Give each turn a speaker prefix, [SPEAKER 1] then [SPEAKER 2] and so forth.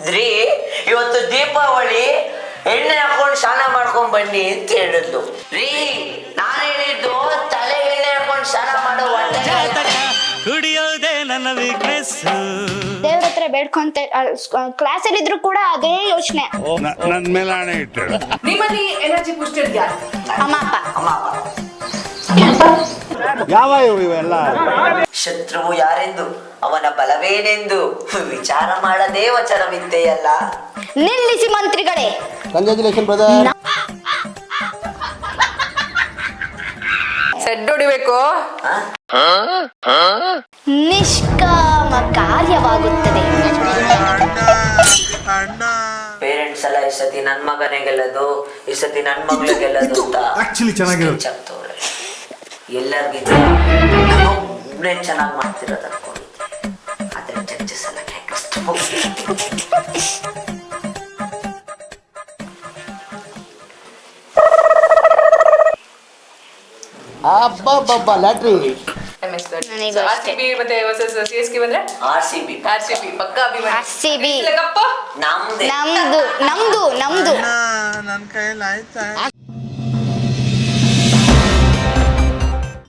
[SPEAKER 1] ರೀ ಇವತ್ತು ದೀಪಾವಳಿ, ಎಣ್ಣೆ ಹಾಕೊಂಡು ಸ್ನಾನ ಮಾಡ್ಕೊಂಡ್ ಬನ್ನಿ ಅಂತ ಹೇಳಿದ್ಲು ರೀ. ನಾನು ಹೇಳಿದ್ದು ತಲೆಗೆ ಎಣ್ಣೆ ಹಾಕೊಂಡು ಸ್ನಾನ ಮಾಡೋ
[SPEAKER 2] ಕುಡಿಯೋದೇ ನನ್ನ ವೀಕ್ನೆಸ್.
[SPEAKER 3] ದೇವ್ರ ಹತ್ರ ಬೇಡ್ಕೊಂತ ಕ್ಲಾಸಲ್ಲಿ ಇದ್ರು ಕೂಡ ಅದೇ ಯೋಚನೆ.
[SPEAKER 4] ನನ್ ಮೇಲೆ ಹಣೆ ಇಟ್ಟು
[SPEAKER 5] ನಿಮ್ಮಲ್ಲಿ ಎನರ್ಜಿ ಬೂಸ್ಟರ್ ಯಾರು?
[SPEAKER 3] ಅಮ್ಮ ಅಪ್ಪ.
[SPEAKER 1] ಅಮ್ಮ ಅಪ್ಪ.
[SPEAKER 4] ಯಾವ ಇವೆಲ್ಲ
[SPEAKER 1] ಶತ್ರುವು ಯಾರೆಂದು ಅವನ ಬಲವೇನೆಂದು ವಿಚಾರ ಮಾಡದೇ ವಚನವಿದ್ದೆಯಲ್ಲ.
[SPEAKER 3] ನಿಲ್ಲಿಸಿ ಮಂತ್ರಿಗಳೇ.
[SPEAKER 4] Congratulation brother.
[SPEAKER 5] ಸೆಡ್ ಹೊಡಿಬೇಕು.
[SPEAKER 3] ನಿಷ್ಕಾಮ ಕಾರ್ಯವಾಗುತ್ತದೆ.
[SPEAKER 1] ಪೇರೆಂಟ್ಸ್ ಎಲ್ಲ ಈ ಸತಿ ನನ್ ಮಗನೇ ಗೆಲ್ಲದು, ಈ ಸತಿ ನನ್ ಮಗಳು ಗೆಲ್ಲದು ಅಂತ ಚೆನ್ನಾಗಿರುತ್ತೆ. ಎಲ್ಲರಿಗಿಂತ ಒಬ್ಬನೇ ಚೆನ್ನಾಗಿ ಮಾಡ್ತಿರೋದು ಅನ್ಕೊಂಡಿದ್ದೆ, ಆದ್ರೆ ಜಡ್ಜಸ್ ಎಲ್ಲ ಕಷ್ಟ.
[SPEAKER 4] ಅಬ್ಬಬ್ಬಬ್ಬ ಲ್ಯಾಟ್ರಿ.
[SPEAKER 5] MS ದೊಡ್ಡ.
[SPEAKER 3] ನನಗೂ
[SPEAKER 5] So,
[SPEAKER 3] ಅಷ್ಟೇ.
[SPEAKER 5] RCB ಮತ್ತೆ ವರ್ಸಸ್ CSK ಬಂದ್ರೆ
[SPEAKER 1] RCB
[SPEAKER 5] ಪಕ್ಕ ಅಭಿಮಾನಿ.
[SPEAKER 3] RCB.
[SPEAKER 5] ಕಪ್ಪ
[SPEAKER 1] ನಮ್ದೇ.
[SPEAKER 3] ನಮ್ದು ನಮ್ದು ನಮ್ದು.
[SPEAKER 4] ನನ್ನ ಕೈಯಲ್ಲಿ ಆಯ್ತಾ